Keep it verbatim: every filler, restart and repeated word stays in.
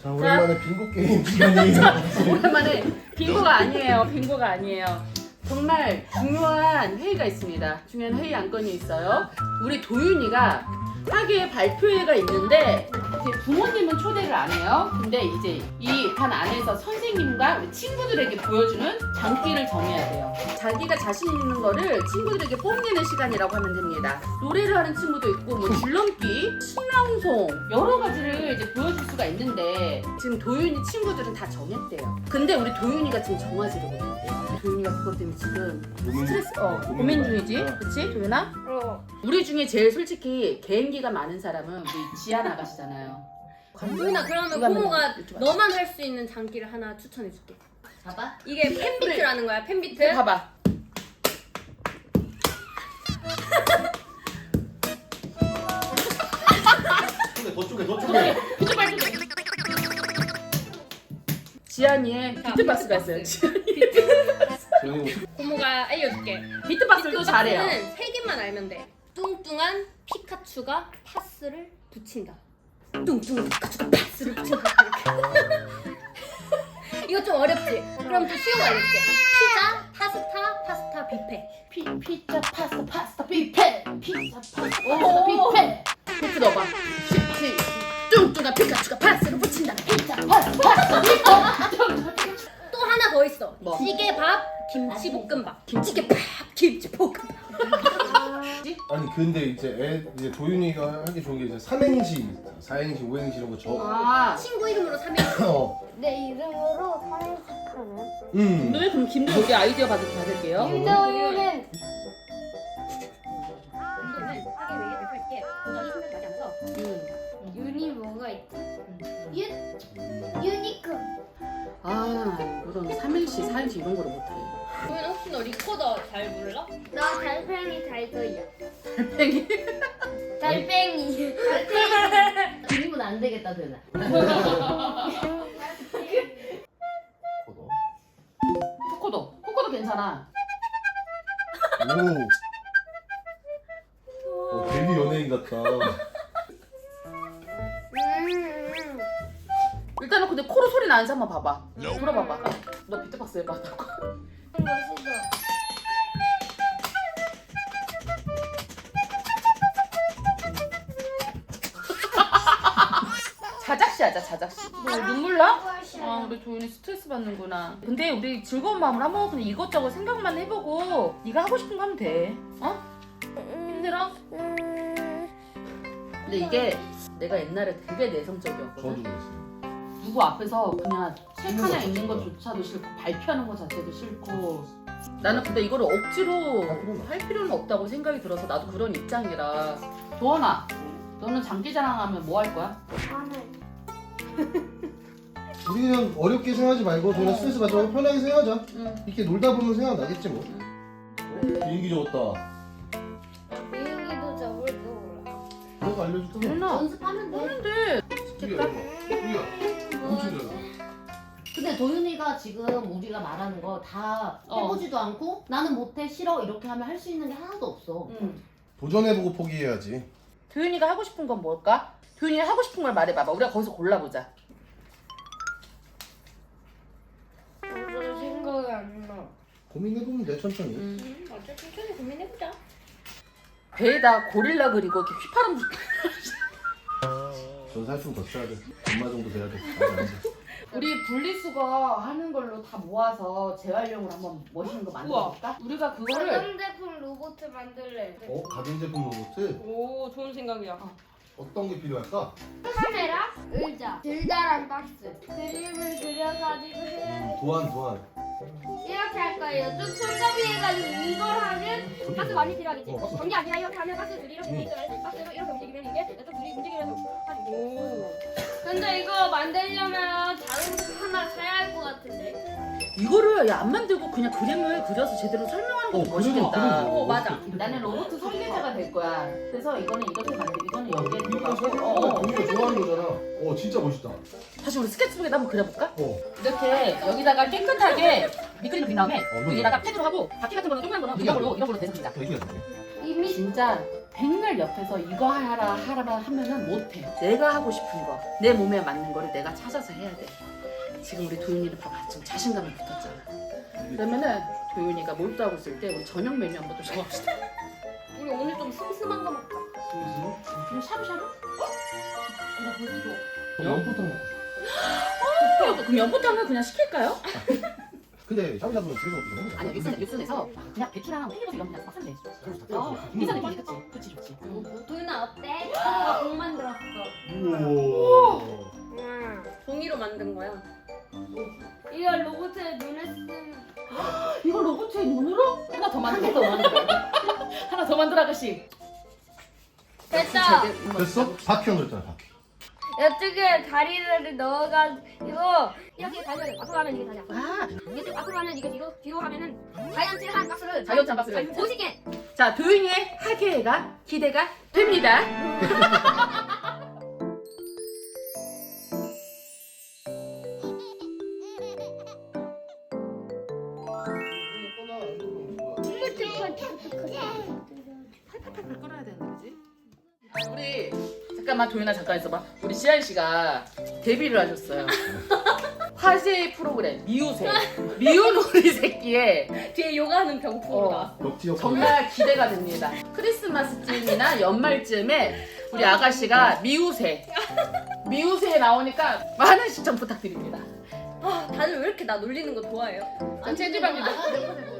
자, 오랜만에 빙고 게임 시간이에요. 오랜만에 빙고가 아니에요. 빙고가 아니에요. 정말 중요한 회의가 있습니다. 중요한 회의 안건이 있어요. 우리 도윤이가 학예 발표회가 있는데 이제 부모님은 초대를 안 해요. 근데 이제 이 반 안에서 선생님과 우리 친구들에게 보여주는 장기를 정해야 돼요. 자기가 자신 있는 거를 친구들에게 뽐내는 시간이라고 하면 됩니다. 노래를 하는 친구도 있고 뭐 줄넘기, 신앙송 여러 가지를 이제 보여줄 수가 있는데 지금 도윤이 친구들은 다 정했대요. 근데 우리 도윤이가 지금 정하지를 못했대요. 도윤이가 그것 때문에 지금 스트레스, 어, 고민 중이지? 그치 도윤아? 어. 우리 중에 제일 솔직히 개인기가 많은 사람은 우리 지안 아가씨잖아요. 도윤아 그러면 누가 고모가 하면 여쭤봐. 너만 할 수 있는 장기를 하나 추천해줄게. 봐봐. 이게 팬비트라는 거야. 팬비트. 봐봐. 더 쪼개, 더 쪼개. 비트박스. 지안이의 비트박스가 있어요. 고모가 알려줄게. 비트박스도 잘해요. 비트박스는 세 개만 알면 돼. 뚱뚱한 피카츄가 파스를 붙인다. 뚱뚱한 피카츄가 파스를 붙인다. 이거 좀 어렵지? 그럼 좀 쉬운 거 알려줄게. 피자, 파스타, 파스타 뷔페. 피, 피자 파스타 파스타 뷔페. 피자 파스타 파스타 뷔페. 비트 넣어봐. 피, 뚱뚱한 피카츄가 파스를 붙인다. 피자 파스타 파스타 뷔페. 또 하나 더 있어. 뭐? 찌개밥, 김치볶음밥. 김치게밥, 김치볶음밥. 아니 근데 이제 애 이제 도윤이가 하기 좋은 게 이제 삼행시, 사행시, 오행시 이런 거 적. 아, 친구 이름으로 삼행시. 어. 내 이름으로 삼행시하는 음. 오늘 그럼 김도 여기 아이디어 받을 받을게요. 김도윤은 음. 윤이 뭐가 있지? 윤 유니콘. 아, 그런 삼행시, 사행시 이런 거를 못해. 도윤아 혹시 너 리코더 잘 불러? 나 달팽이 잘 그려. 달팽이. 달팽이. 달팽이. 그림은 안 되겠다 되나? 코너. 코코도. 코코도 괜찮아. 오. 어, 되게 연예인 같다. 음. 일단은 근데 코로 소리 나는지 한번 봐봐. 들어봐봐. 너 비트박스 해봐. 멋있어. 자작시 하자, 자작시. 뭐 눈물 나? 아, 우리 도윤이 스트레스 받는구나. 근데 우리 즐거운 마음으로 한번 그냥 이것저것 생각만 해보고 네가 하고 싶은 거 하면 돼. 어? 힘들어? 근데 이게 내가 옛날에 되게 내성적이었거든. 저도 그랬어요. 누구 앞에서 그냥 책 있는 하나 거 읽는 거 자체가. 조차도 싫고 발표하는 거 자체도 싫고 나는 근데 이거를 억지로 아, 그럼. 할 필요는 없다고 생각이 들어서 나도 그런 입장이라. 도원아, 너는 장기자랑하면 뭐 할 거야? 나는 우리 그냥 어렵게 생각하지 말고 그냥 스트레스 받지 말고 편하게 생각하자. 응. 이렇게 놀다 보면 생각나겠지 뭐. 비행기 적었다. 비행기도 접을 줄 몰라. 내가 알려줄게. 도원아, 연습하면 돼. 하는데 우리가 우리가 엄청 잘. 근데 도윤이가 지금 우리가 말하는 거 다 어. 해보지도 않고 나는 못해 싫어 이렇게 하면 할 수 있는 게 하나도 없어. 응. 도전해보고 포기해야지. 도윤이가 하고 싶은 건 뭘까? 도윤이가 하고 싶은 걸 말해봐봐. 우리가 거기서 골라보자. 무슨 생각이 안 나. 고민해보면 돼 천천히. 응. 음, 어차피 천천히 고민해보자. 배에다 고릴라 그리고 이렇게 휘파람 불. 전 살수는 더 써야 돼. 엄마 정도 돼야 돼. 맞아, 맞아. 우리 분리수거 하는 걸로 다 모아서 재활용으로 한번 멋있는 거 만들어볼까? 우리가 그거를 가전제품 로봇 만들래. 어? 가전제품 로봇? 오, 좋은 생각이야. 어떤 게 필요할까? 카메라, 의자, 길다란 박스, 그림을 그려가지고 해야 도안 도안. 이렇게 할 거예요. 좀 손잡이 해가지고 이걸 하면 박스 많이 필요하겠지. 어, 박스. 전기 아니라 이렇게 하면 박스 둘이 이렇게 응. 있으면 박스가 이렇게 움직이면 이게 또 둘이 움직이면서 하지. 오. 근데 이거 만들려면 다른 거 하나 사야 할 것 같은데. 이거를 야, 안 만들고 그냥 그림을 그려서 제대로 설명하는 것도 어, 멋있겠다. 그래도, 그래도. 오, 맞아. 나는 로봇 설계자가 될 거야. 그래서 이거는 이렇게 만들고 이거는 여기에 이거 들어가고 어, 어, 우리가 좋아하는 거잖아. 어, 진짜 멋있다. 다시 우리 스케치북에다 한번 그려볼까? 어. 이렇게 여기다가 깨끗하게 밑그림 그린 다음에 어, 여기다가 펜으로 하고 바퀴 같은 거는 조그만 거는 이런 걸로 이런 걸로 대서 그리자. 되게 잘 이미 진짜 백날 옆에서 이거 하라 하라 하면은 못해. 내가 하고 싶은 거, 내 몸에 맞는 거를 내가 찾아서 해야 돼. 지금 우리 도윤이는 봐봐, 지금 자신감이 붙었잖아. 그러면은 도윤이가 몰두하고 있을 때 우리 저녁 메뉴 한번 또 정합시다. 우리 오늘 좀 슴슴한 거 먹자. 그냥 샤브샤브? 나 벌써 연포탕 먹고 어, 그럼 연포탕은 그냥 시킬까요? 근데 샤브샤브는 집에서 먹기 전에 아니 육순 육순에서 그냥 배추랑 팽이버섯 이런 거 그냥 막 쓰면 돼. 어, 인사 느낌이 그치? 그치 좋지. 도윤아 어때? 나 공 만들었어. 우와. 종이로 만든 거야. 이거 로봇의 눈에 쓰면 이거 로봇의 눈으로 하나 더 만들어. 하나 더 만들어. 하나 더 만들어 아가씨. 됐다. 됐어? 바퀴형 그랬잖아 바퀴. 이쪽에 다리를 넣어가지고 이렇게 다리를 앞으로 하면 이게 다리야. 아, 이렇게 앞으로 하면 이게 뒤로 뒤로 하면은 자이언트한 박스를 자이언트한 박스를. 오십 개. 자 도윤이의 하계가 기대가 됩니다. 팔팔팔 끓어야 되는데 그지? 우리 잠깐만 도윤아 잠깐 있어봐. 우리 지한 씨가 데뷔를 하셨어요. 화제의 프로그램 미우새 미운 우리 새끼에 뒤에 요가하는 병풍으로 어. 나왔어. 럭지역 정말 기대가 됩니다. 크리스마스쯤이나 연말쯤에 우리 아가씨가 미우새 미우새에 나오니까 많은 시청 부탁드립니다. 아, 다들 왜 이렇게 나 놀리는 거 좋아해요? 아, 체지방이 몇 퍼센트?